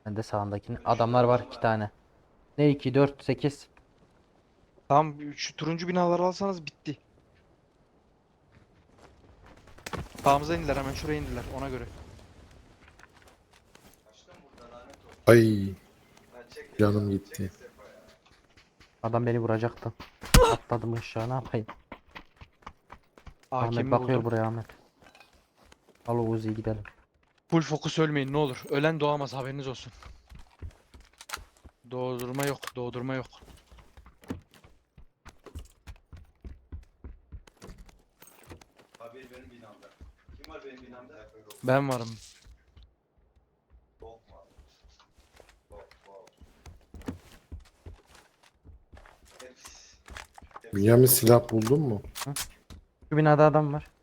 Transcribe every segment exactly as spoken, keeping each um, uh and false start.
Ben de sağındakini. Adamlar var iki tane. Ne iki dört sekiz. Tamam şu turuncu binaları alsanız bitti. Sağımıza indiler, hemen şuraya indiler ona göre. Ay canım gitti. Adam beni vuracaktı. Atladım aşağı, ne yapayım? Ahmet A K M'i bakıyor buldum. buraya Ahmet. Al o Uzi'yi gidelim. Full fokus ölmeyin ne olur. Ölen doğamaz, haberiniz olsun. Doğdurma yok, doğdurma yok. Abi benim binamda. Kim var benim binamda? Ben varım. Bok var. Bok bok. Hepsi. Bünyamin silah buldun mu? Şu binada adam var.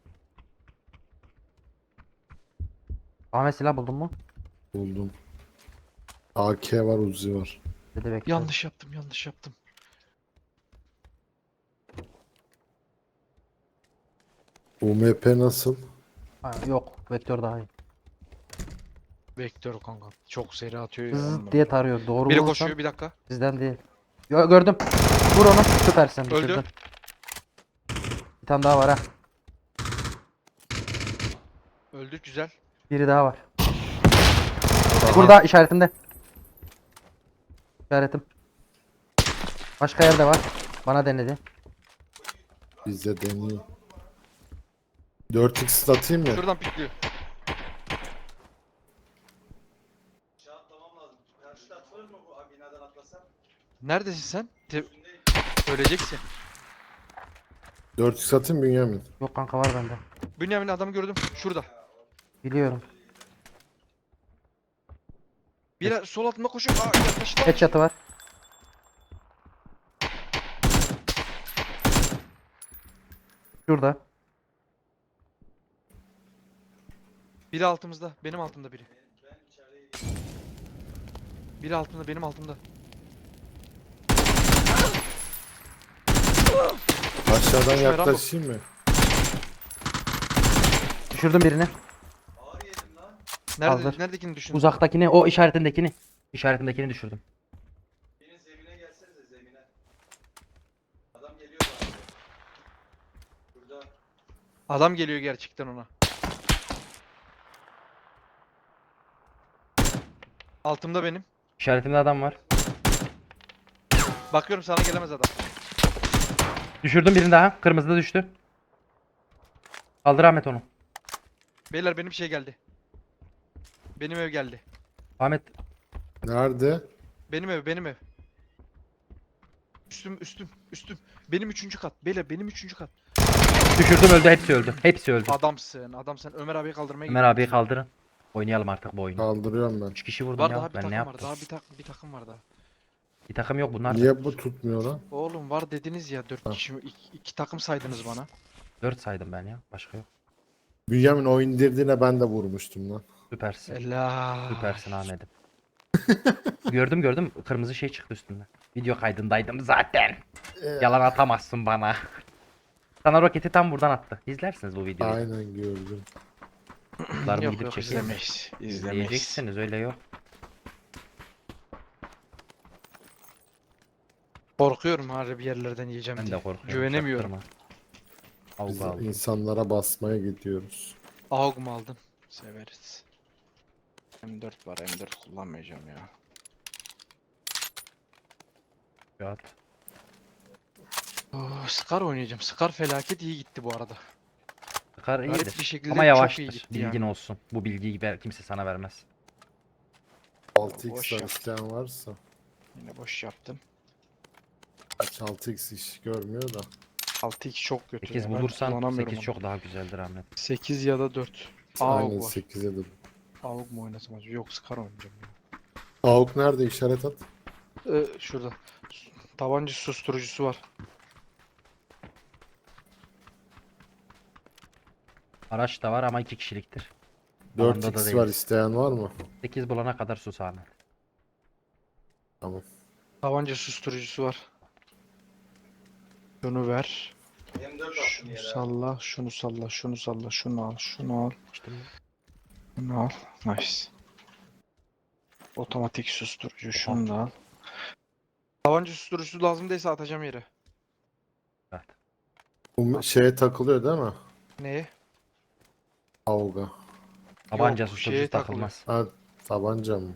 Ahmet silah buldun mu? Buldum. A K var, Uzi var. Dedi bekle. Yanlış yaptım, yanlış yaptım. U M P nasıl? Ha, yok vektör daha iyi. Vektör kanka. Çok seri atıyor ya. Zıt on diye numara. tarıyor. Doğru Biri vurursan koşuyor, bir dakika. bizden değil. Yo, gördüm. Vur onu. Süpersin. Öldü. Bitirdin. Bir tane daha var ha. Öldü, güzel. Biri daha var. Burada işaretimde. İşaretim. Başka yerde var. Bana denedi. Bizde deniyor. dört x atayım mı? Şuradan pikliyor. Aşağı atlamam lazım. Karşıda atılır mı bu abi binadan atlasam? Neredesin sen? Te- Üstündeyim. Öleceksin. dört x atayım Bünyamin. Yok kanka var bende. Bünyamin adamı gördüm. Şurada. Biliyorum. Bir sol altında koşuyor. Aa, yaklaştı. Headshot'ı var. Şurada. Biri altımızda. Benim altımda biri. Biri altımda, benim altımda. Aşağıdan Şu yaklaşayım mı? Düşürdüm birini. Ağır yedim lan. Nerede, Hazır. neredekini düşün? Uzaktakini, o işaretindekini. İşaretindekini düşürdüm. Birinin zemine gelsenize zemine. Adam geliyor bana. Burada. Adam geliyor gerçekten ona. Altımda benim. İşaretimde adam var. Bakıyorum, sana gelemez adam. Düşürdüm birini daha. Kırmızıda düştü. Kaldır Ahmet onu. Beyler benim şey geldi. Benim ev geldi. Ahmet Nerede? Benim ev, benim ev. Üstüm, üstüm, üstüm. Benim üçüncü kat. Beyler benim üçüncü kat. düşürdüm, öldü, hepsi öldü. Hepsi öldü. Adamsın, adamsın. Ömer abiyi kaldırmaya Ömer gidiyorum. abiyi kaldırın. Oynayalım artık bu oyunu. Kaldırıyorum ben. üç kişi vurdum Var ya. daha bir Ben ne takım var. yaptım? Daha bir, tak bir takım var daha. Bir takım yok bunlar da. Niye bu tutmuyor lan? Oğlum var dediniz ya, dört Ha. kişi, iki, iki takım saydınız bana. dört saydım ben ya. Başka yok. Bünyamin o indirdiğine ben de vurmuştum lan. Süpersin. Ela. Süpersin Ahmet'im. Gördüm gördüm. Kırmızı şey çıktı üstünden. Video kaydındaydım zaten. Yalan atamazsın bana. Sana roketi tam buradan attı. İzlersiniz bu videoyu. Aynen gördüm. Kutlarımı Yok gidip yok, çekeyim mi? izlemeyiz. İzlemeyiz. İzleyeceksiniz, öyle yok. Korkuyorum harbi bir yerlerden yiyeceğim Ben diye. de korkuyorum. Güvenemiyorum. çaktırma. Avga Biz aldım. insanlara basmaya gidiyoruz. A U G mu aldın? Severiz. M dört var, M dört kullanmayacağım ya. Rahat. Oh, Scar oynayacağım. Scar felaket iyi gitti bu arada. Sıkar Garip iyidir. bir şekilde Ama çok iyi yavaştır. gitti Bilgin yani. olsun. Bu bilgiyi ver- kimse sana vermez. altı boş x var yap. isteyen varsa. Yine boş yaptım. Kaç altı x iş görmüyor da. altı iki çok kötü sekiz ya. Ben bulursan kullanamıyorum sekiz onu. çok daha güzeldir Ahmet. sekiz ya da dört. A U G Aynen var. sekize de. A U G mu oynasam acaba? Yok, Scar oynayacağım ya. A U K nerede, işaret at. Ee, şurada. Tabanca susturucusu var. Araç da var ama iki kişiliktir. dört Alanda da x var, değiliz. isteyen var mı? sekiz bulana kadar sus Ahmet. Tamam. Tabanca susturucusu var. Şunu ver. M dört attım Şunu yere. salla, şunu salla, şunu salla, şunu al, şunu al, İşte bu. şunu al. Nice. Otomatik susturucu şunu da al. Tabanca susturucusu lazım değilse atacağım yere. Evet. Bu şeye takılıyor değil mi? Neye? Avga. Tabanca Yok, susturucu şeye takılmaz. Ha, tabanca mı?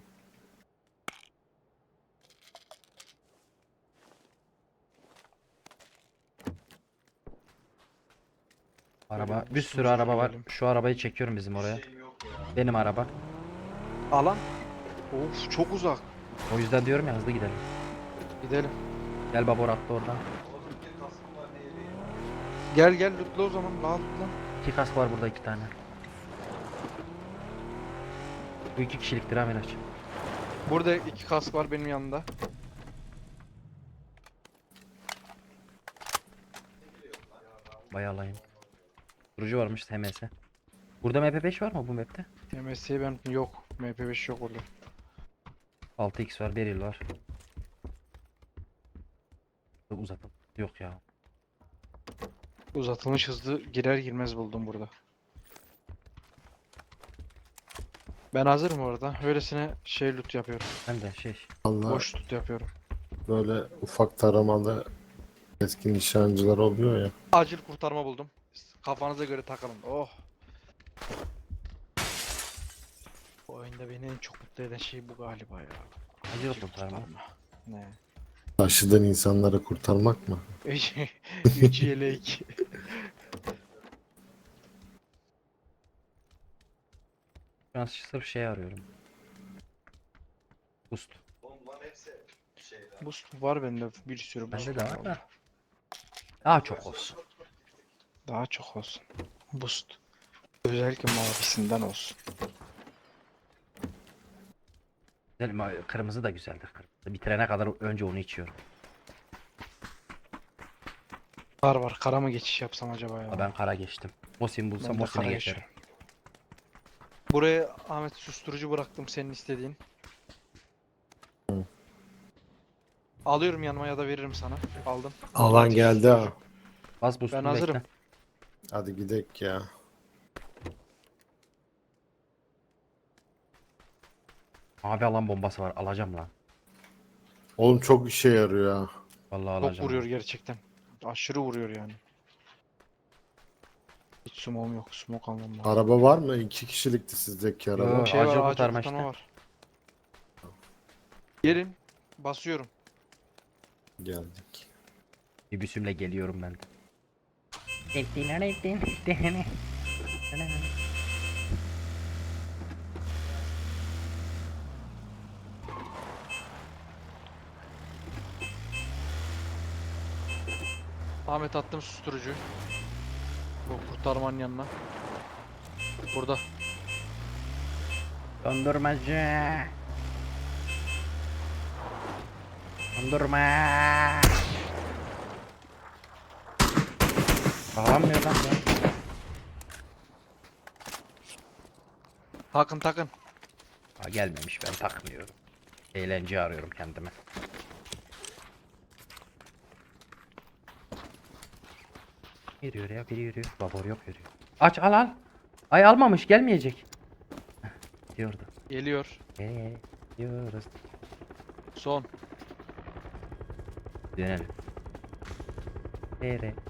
Araba, Böyle bir sürü susturucu araba var. girelim. Şu arabayı çekiyorum bizim oraya. Şeyim yok ya. Benim araba. Alan. Of çok uzak. O yüzden diyorum ya hızlı gidelim. Gidelim. Gel babor attı oradan. Oğlum bir kaskım var ne yeri? Gel gel lootla o zaman. Al lootla. İki kask var burada iki tane. Bu iki kişiliktir ha Miraç. Burada iki kask var benim yanımda. Bayağı alayım. Durucu varmış H M S. Burada M P beş var mı bu map'te? M S ben yok. M P beş yok orada. altı x var, Beryl var. Uzatım. Yok ya. Uzatılmış hızlı girer girmez buldum burada. Ben hazırım orada. Öylesine şey loot yapıyorum. Ben de şey. Allah Boş loot yapıyorum. böyle ufak taramalı eski nişancılar oluyor ya. Acil kurtarma buldum. Kafanıza göre takılın. Oh. Bu oyunda beni en çok mutlu eden şey bu galiba ya. Acil kurtarma. Ne? Taşıdığın insanları kurtarmak mı? Üç yelek. Şu an sırf şey arıyorum. Boost. Oğlum bunların hepsi şeyden. Boost var bende bir sürü boost Bende de var var. da. Daha çok olsun. Daha çok olsun. Boost. Özellikle mavisinden olsun. Güzel, ma- kırmızı da güzeldir. Kırmızı. Bitirene kadar önce onu içiyorum. Var var. Kara mı geçiş yapsam acaba ya? Ha, ben kara geçtim. Mosin bulsam Ben de Mosin'e kara geçerim. geçiyorum. Buraya Ahmet susturucu bıraktım senin istediğin. Hı. Alıyorum yanıma ya da veririm sana. Aldım. Alan geldi ha. Bas boost'unu Ben hazırım. bekle. Hadi gidek ya. Abi alan bombası var. Alacağım lan. Oğlum çok işe yarıyor ha. Vallahi Çok alacağım. vuruyor gerçekten. Aşırı vuruyor yani. Hiç smoke'um yok. Smoke almam lazım. Araba var mı? İki kişilikti sizdeki araba. Yo. Şey acil var, acil kurtarma kurtarma işte. var. Gelin. Basıyorum. Geldik. Bir büsümle geliyorum ben de. Ahmet attım susturucu. Bu kurtarmanın yanına. Burada. Dondurmacı. Dondurma. Bağlanmıyor lan ya. Takın takın. Ha, gelmemiş ben takmıyorum. Eğlence arıyorum kendime. Yürüyor ya biri yürüyor. Babor yok yürüyor. Aç al al. Ay almamış gelmeyecek. Heh, diyordu. Geliyor. Geliyoruz. Son. Dönelim. Nere?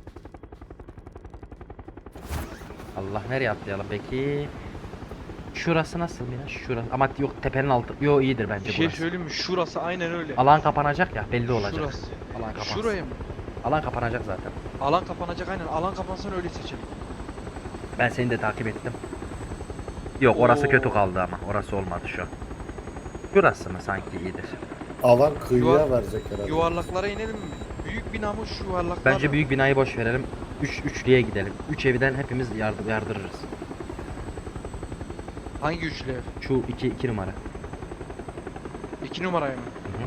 Allah nereye atlayalım peki? Şurası nasıl Miraç? Şurası. Ama yok tepenin altı. Yo iyidir bence Bir şey burası. söyleyeyim mi? Şurası aynen öyle. Alan kapanacak ya belli olacak. Şurası. Alan kapansın. Şuraya mı? Alan kapanacak zaten. Alan kapanacak aynen. Alan kapansın öyle seçelim. Ben seni de takip ettim. Yok orası Oo. kötü kaldı ama. Orası olmadı şu an. Şurası mı sanki iyidir? Alan kıyıya Yuvar- verecek herhalde. Yuvarlaklara inelim mi? Büyük bina mı şu yuvarlaklar Bence mı? büyük binayı boş verelim. Üç, üçlüye gidelim. Üç evden hepimiz yardım yardırırız. Hangi üçlü ev? Şu iki, iki numara. İki numaraya mı? Hı hı.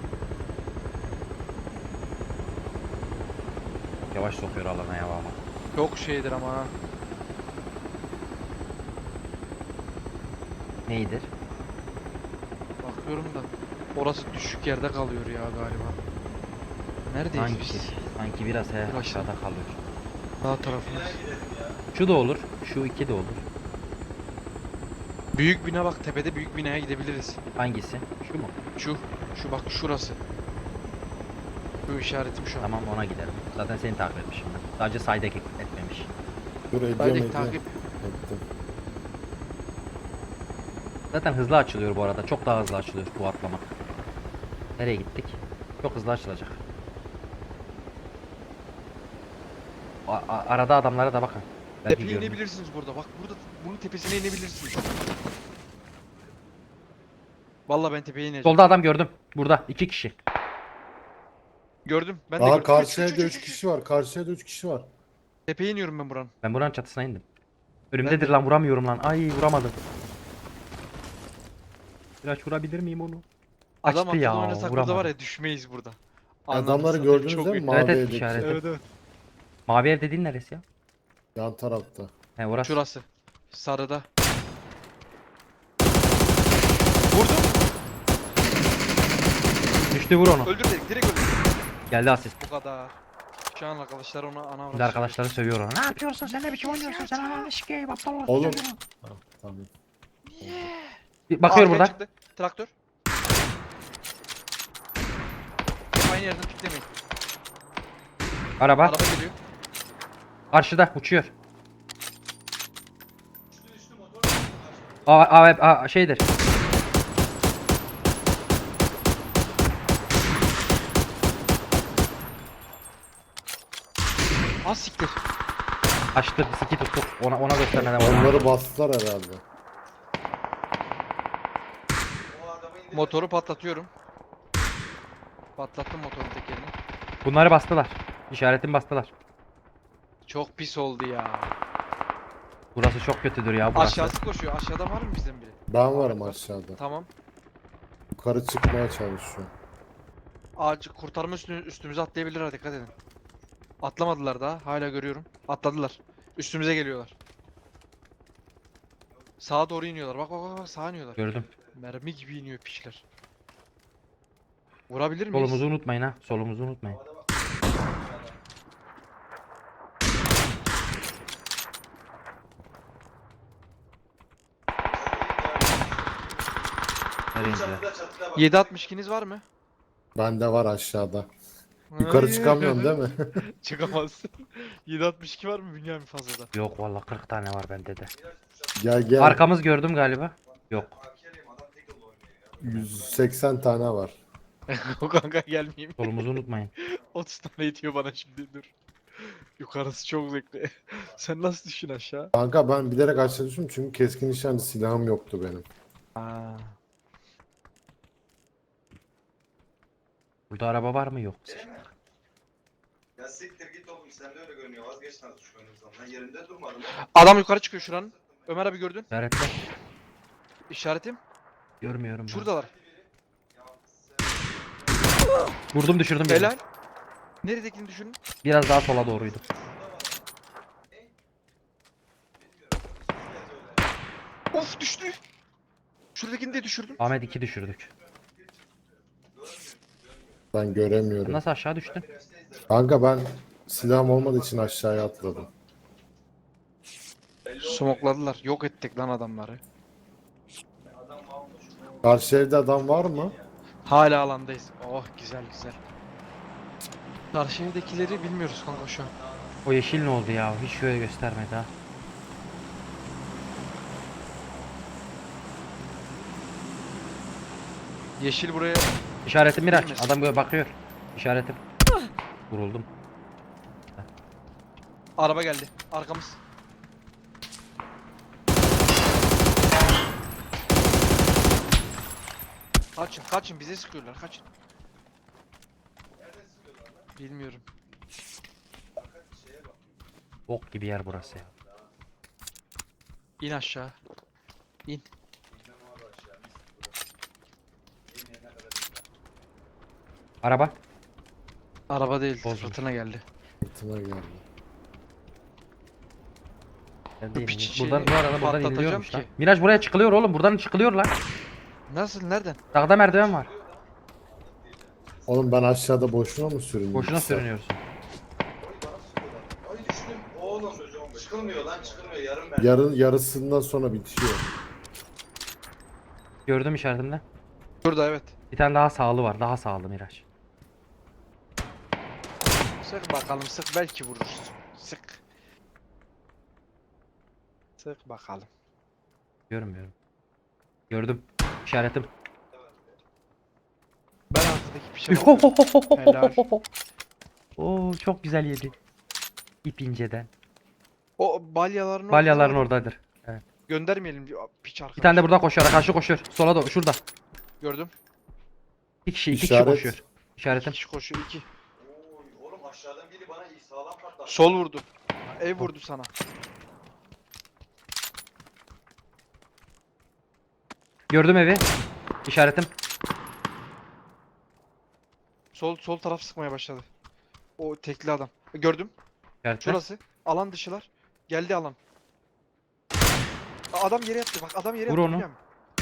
Yavaş sokuyor alana ya valla. Çok şeydir ama ha. Neydir? Bakıyorum da. Orası düşük yerde kalıyor ya galiba. Neredeyiz Sanki, biz? sanki biraz he, Burası. aşağıda kalıyor. Sağ tarafımız. Şu da olur. Şu iki de olur. Büyük bina bak, tepede büyük binaya gidebiliriz. Hangisi? Şu mu? Şu, şu bak şurası. Şu işaretim şu an. Tamam ona gidelim. Zaten seni takip etmişim ben. Sadece sayda etmemiş. Dur ediyorum Haydi ediyorum. takip. Ettim. Zaten hızlı açılıyor bu arada. Çok daha hızlı açılıyor bu atlama. Nereye gittik? Çok hızlı açılacak. A- a- arada adamlara da bakın. Belki Tepeye görünür. inebilirsiniz burada. Bak burada bunun tepesine inebilirsiniz. Vallahi ben tepeye ineceğim. Solda adam gördüm. Burada iki kişi. Gördüm. Ben de Aa gördüm. karşıya Üç, da üç, üç üç, üç. kişi var. Karşıya da üç kişi var. Tepeye iniyorum ben buranın. Ben buranın çatısına indim. Ben Önümdedir de- lan, vuramıyorum lan. Ay vuramadım. Biraz vurabilir miyim onu? Adam Açtı ya, akıllı oynasak burada vuramadım. var ya, düşmeyiz burada. Adamları Anladın, gördünüz çok değil mi? iyi. Mavi Evet, evet, evdeki. işaret. Evet evet. Mavi ev dediğin neresi ya? Yan tarafta. He orası. Şurası. Sarıda. Vurdum. Düştü, vur onu. Öldür dedik. Direkt öldür. Geldi asist. Bu kadar. Şu an arkadaşlar ona ana Şimdi arkadaşları sövüyor ona. Ne yapıyorsun sen, ne biçim oynuyorsun sen, ananı sikeyim aptal olsun. Oğlum. çocuğu. Ha, tamam. Bir bakıyor burada. Çıktı. Traktör. Aynı yerden piklemeyin. Araba. Araba geliyor. Karşıda uçuyor. Üstü üstü motor. Karşıda. Aa, aa, aa, şeydir. Az siktir. Açtı, siki tuttuk. Ona ona göstermeden vurdu. Onları bastılar herhalde. O adamı indir. Motoru patlatıyorum. Patlattım motorun tekerini. Bunları bastılar. İşaretimi bastılar. Çok pis oldu ya. Burası çok kötüdür ya burası. Aşağısı koşuyor. Aşağıda var mı bizden biri? Ben varım aşağıda. Tamam. Yukarı çıkmaya çalışıyor. Ağacı kurtarma üstü, üstümüze atlayabilirler, dikkat edin. Atlamadılar daha. Hala görüyorum. Atladılar. Üstümüze geliyorlar. Sağa doğru iniyorlar. Bak bak bak, bak sağa iniyorlar. Gördüm. Mermi gibi iniyor piçler. Vurabilir miyiz? Solumuzu unutmayın ha. Solumuzu unutmayın. Havada bak. Nereye indiler? Çatıda çatıda bak. yedi altmış ikiniz var mı? Bende var aşağıda. Yukarı Hayır. çıkamıyorum değil mi? Çıkamazsın. yedi altmış iki var mı Bünyamin fazladan? Yok vallahi kırk tane var bende de. Gel gel. Arkamız gördüm galiba. Yok. Hakerim adam tek yolda oynuyor ya. yüz seksen tane var. O kanka gelmeyeyim. Solumuzu unutmayın. otuz tane itiyor bana şimdi, dur. Yukarısı çok zevkli. Sen nasıl düşün aşağı? Kanka ben bilerek aşağı düştüm çünkü keskin nişancı silahım yoktu benim. Aa. Burada araba var mı? Yok. Ya siktir git oğlum, sen de öyle görünüyor. Vazgeç lan şu oyunumuzdan. Ben yerimde durmadım. Adam yukarı çıkıyor şuranın. Ömer abi gördün. İşaretle. İşaretim. Görmüyorum ben. Şuradalar. Vurdum, düşürdüm birini. Helal. Neredekini düşünün. Biraz daha sola doğruydu. Of düştü. Şuradakini de düşürdüm. Ahmet iki düşürdük. Ben göremiyorum. Nasıl aşağı düştün? Kanka ben silahım olmadığı için aşağıya atladım. Smokladılar. Yok ettik lan adamları. Karşı evde adam var mı? Hala alandayız. Oh güzel güzel. Karşı evdekileri bilmiyoruz kanka şu an. O yeşil ne oldu ya? Hiç şöyle göstermedi ha. Yeşil buraya. İşaretim Miraç. Bilmesin. Adam böyle bakıyor. İşaretim. Vuruldum. Araba geldi. Arkamız. Kaçın kaçın, bize sıkıyorlar, kaçın. Bilmiyorum. Bok gibi yer burası ya. İn aşağı. İn. Araba. Araba değil, Bozmuş. fırtına geldi. Fırtına geldi. Ben değilim. piç Buradan şeyini bu arada buradan patlatacağım iniliyormuş lan. ki. Miraç buraya çıkılıyor oğlum. Buradan çıkılıyor lan. Nasıl, nereden? Dağda merdiven var. Oğlum ben aşağıda boşuna mı sürünüyorum? Boşuna sürünüyorsun. Ay düştüm. Oğlum çıkılmıyor lan, çıkılmıyor. Yarım ben. Yarın yarısından sonra bitiyor. Gördüm işaretimde. Burada evet. Bir tane daha sağlı var. Daha sağlı Miraç. Sık bakalım sık belki vurursun. Sık. Sık bakalım. Görmüyorum. Gördüm. İşaretim. Ben arkadaki pişe bakıyorum. Helal. Oo çok güzel yedi. İp inceden. O balyaların Balyaların orada. oradadır. Göndermeyelim diyor piç arkadaş. Bir tane de burada koşuyor. Karşı koşuyor. Sola doğru. Şurada. Gördüm. İki kişi. iki kişi İşaret. koşuyor. İki İşaretim. kişi koşuyor iki. Oy oğlum aşağıdan biri bana iyi sağlam patladı. Sol vurdu. Ev vurdu sana. Gördüm evi. İşaretim. Sol sol taraf sıkmaya başladı. O tekli adam. Gördüm. İşaretim. Şurası. Alan dışılar. Geldi alan. Aa, adam yere yattı bak adam yere Vur yattı. onu. biliyor musun?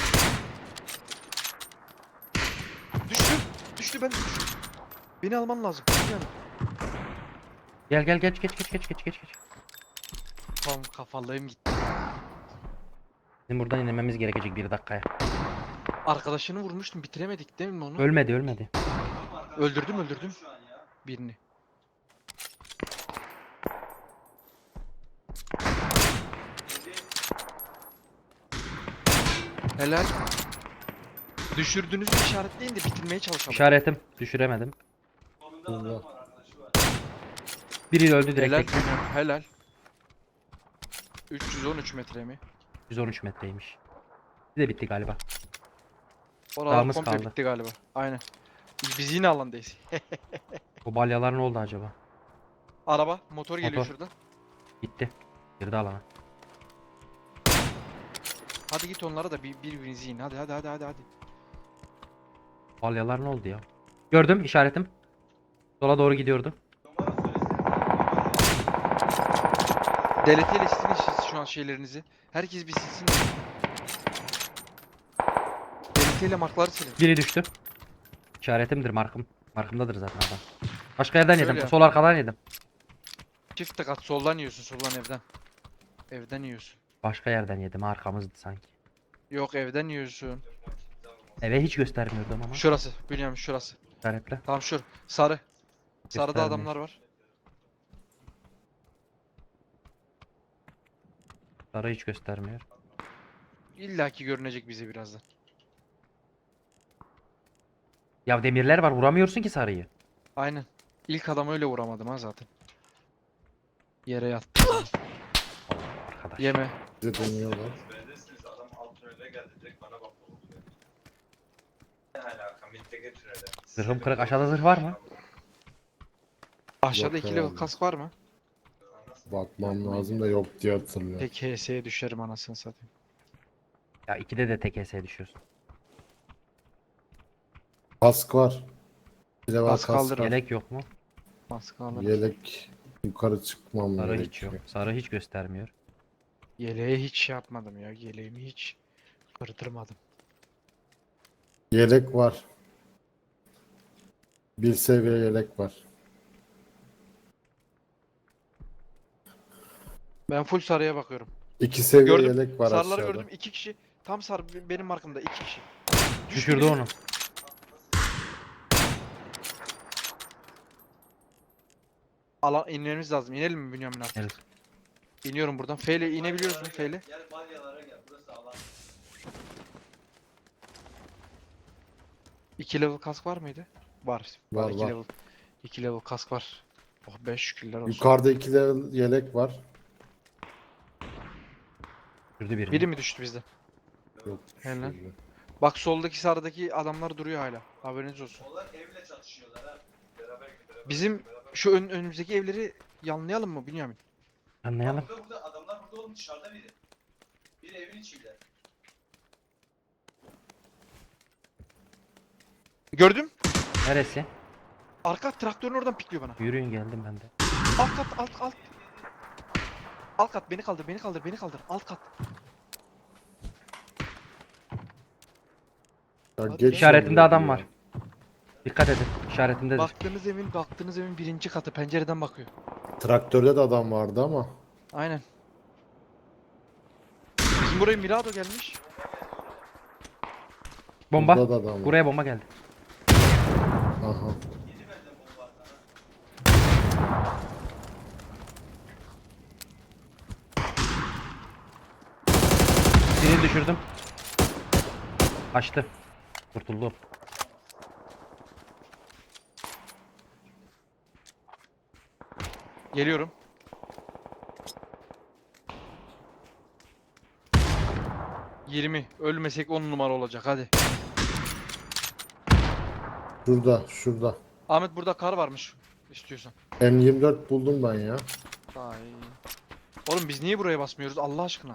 Düştü. Düştü ben de düştüm. Beni alman lazım. biliyor musun? Gel gel geç geç geç geç geç geç. geç. Tam kafalığım gitti. Bizim buradan inmemiz gerekecek bir dakikaya. Arkadaşını vurmuştum bitiremedik değil mi onu? Ölmedi ölmedi. Öldürdüm öldürdüm Şu an ya. birini. Helal. Düşürdüğünüzü işaretleyin de bitirmeye çalışalım. İşaretim. Düşüremedim. Sonunda adam var arkadaşı var. Biri öldü direkt. Helal. tek. Helal. üç yüz on üç metre mi? yüz on üç metreymiş. Bir de bitti galiba. Oralar Dağımız komple kaldı. bitti galiba. Aynen. Biz yine alandayız. Bu balyalar ne oldu acaba? Araba, motor geliyor Motor. şuradan. Gitti. Girdi alana. Hadi git onlara da bir birbirinizi yiyin. Hadi hadi hadi hadi hadi. Balyalar ne oldu ya? Gördüm işaretim. Sola doğru gidiyordu. Numara söylesene. Deleteyle silin siz şu an şeylerinizi. Herkes bir silsin. Deleteyle markları silin. Biri düştü. İşaretimdir markım. Markımdadır zaten adam. Başka yerden Şöyle yedim. yap. Sol arkadan yedim. Çift tık at soldan yiyorsun soldan evden. Evden yiyorsun. Başka yerden yedim. Arkamızdı sanki. Yok evden yiyorsun. Eve hiç göstermiyordum ama. Şurası. Bünyamin şurası. İşaretle. Tamam şur. Sarı. Sarıda Göstermiyor. adamlar var. Sarı hiç göstermiyor. İlla ki görünecek bize birazdan. Ya demirler var. Vuramıyorsun ki sarıyı. Aynen. İlk adamı öyle vuramadım ha zaten. Yere yattı. Arkadaş. Yeme. Bize dönüyorlar. Beğenirsiniz adam alt tünele geldi direkt bana bak. Ne alaka mitteki tünele. Zırhım kırık. Aşağıda zırh var mı? Aşağıda Yok iki level herhalde. kask var mı? Bakmam lazım da yok diye hatırlıyorum. Tek H S'ye düşerim anasını satayım. Ya ikide de tek S düşüyorsun. Kask var. Bir de var Kask kask. kaldırın. Yelek yok mu? Kask alırım. Yelek yukarı çıkmam Sarı hiç gerekiyor. yok. Sarı hiç göstermiyor. Yeleğe hiç şey yapmadım ya. Yeleğimi hiç kırdırmadım. Yelek var. Bir seviye yelek var. Ben full sarıya bakıyorum. İki seviye Gördüm. yelek var Sarıları aşağıda. gördüm. iki kişi. Tam sarı be- benim markamda iki kişi. Düştü Düşürdü biri. onu. Alan inmemiz lazım. İnelim mi Bünyamin artık? Evet. İniyorum buradan. F ile inebiliyoruz mu F ile? Gel balyalara gel burası alan. iki level kask var mıydı? Var. Var, iki var. level. iki level kask var. Oh be şükürler olsun. Yukarıda iki level yelek var. Düşürdü birini. Biri mi düştü bizden? Yok. Helal. şöyle. Bak soldaki sağdaki adamlar duruyor hala. Haberiniz olsun. Onlar evle çatışıyorlar ha. Beraber beraber. Bizim beraber. şu ön, önümüzdeki evleri yanlayalım mı Bünyamin? Anlayalım. Burada burada adamlar burada oğlum dışarıda biri. Biri evin içinde. Gördüm. Neresi? Arka traktörün oradan pikliyor bana. Yürüyün geldim ben de. Alt kat alt alt. Alt kat beni kaldır beni kaldır beni kaldır. Alt kat. Ya Hadi geç İşaretinde oluyor adam ya. var. Dikkat edin. İşaretindedir. Baktığınız evin baktığınız evin birinci katı pencereden bakıyor. Traktörde de adam vardı ama. Aynen. Bizim buraya Mirado gelmiş. Bomba. Burada da adam var. Buraya bomba geldi. Aha. Birini düşürdüm. Kaçtı. Kurtuldu. Geliyorum. yirmi. Ölmesek on numara olacak hadi. Şurada, şurada. Ahmet burada kar varmış. İstiyorsan. M yirmi dört buldum ben ya. Ay. Oğlum biz niye buraya basmıyoruz Allah aşkına?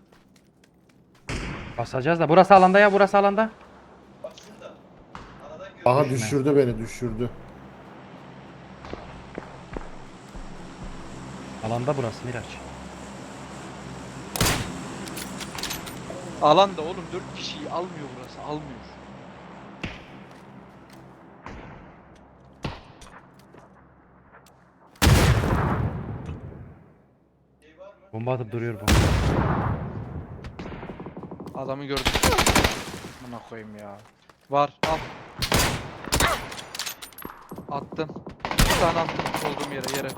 Basacağız da. Burası alanda ya. Burası alanda. Bak şurada. Aradan görüyor. Aha Düşme. düşürdü beni, düşürdü. Alanda burası Miraç. Alanda oğlum dört kişiyi almıyor burası. Almıyor. Bomba atıp duruyor bu. Adamı gördüm. Buna koyayım ya. Var al. Attım. Bir tane attım olduğum yere yere.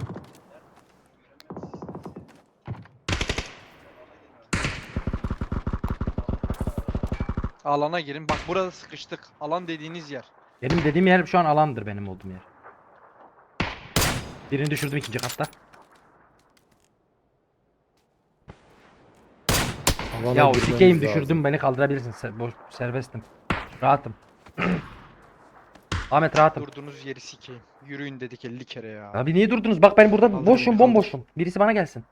Alana girin. Bak burada sıkıştık. Alan dediğiniz yer. Benim dediğim yer şu an alandır benim olduğum yer. Birini düşürdüm ikinci katta. Alana Ya o girmemiz sikeyim lazım. düşürdüm beni kaldırabilirsin. Se- boş, serbestim. Rahatım. Ahmet rahatım. Durduğunuz yeri sikeyim. Yürüyün dedik elli kere ya. Abi niye durdunuz? Bak ben burada Kaldır boşum beni, bomboşum. Birisi bana gelsin.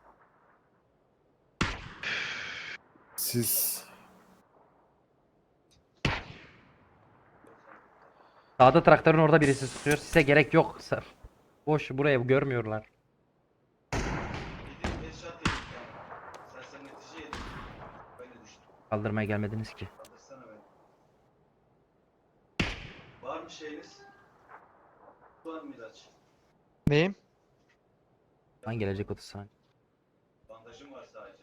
Siz Sağda traktörün orada birisi tutuyor. Size gerek yok. Sa- Boş buraya görmüyorlar. Yediğim headshot yedik yani. Sersemletici yedik. Böyle düştüm. Kaldırmaya gelmediniz ki. Kaldırsana beni. Var mı şeyiniz? Var mı ilaç? Neyim? Lan gelecek otuz saniye. Bandajım var sadece.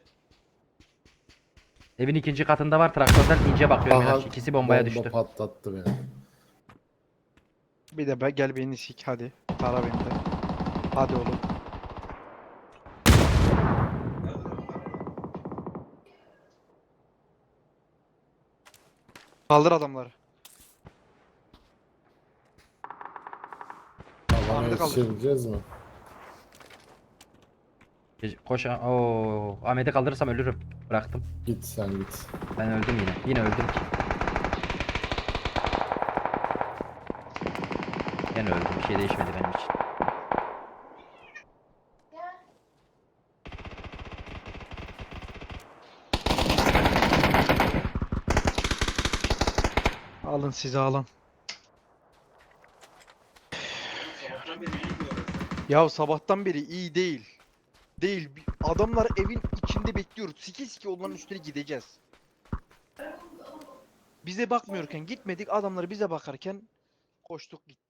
Evin ikinci katında var traktörden ince bakıyor aha, Miraç. İkisi bombaya bomba düştü. patlattı beni. Bir de be, gel beni sik hadi. Para beni de. Hadi oğlum. Nerede lan? Kaldır adamları. Alana Ahmet'i kaldır. yetişebileceğiz mi? Gece- Koş. Oo, Ahmet'i kaldırırsam ölürüm. Bıraktım. Git sen git. Ben öldüm yine. Yine öldüm ki. Yine öldüm. Bir şey değişmedi benim için. Alın sizi alın. Sabahtan beri iyi diyor. Ya sabahtan beri iyi değil. Değil. Bir- Adamlar evin içinde bekliyoruz. Siki siki onların üstüne gideceğiz. Bize bakmıyorken gitmedik. Adamlar bize bakarken koştuk gittik.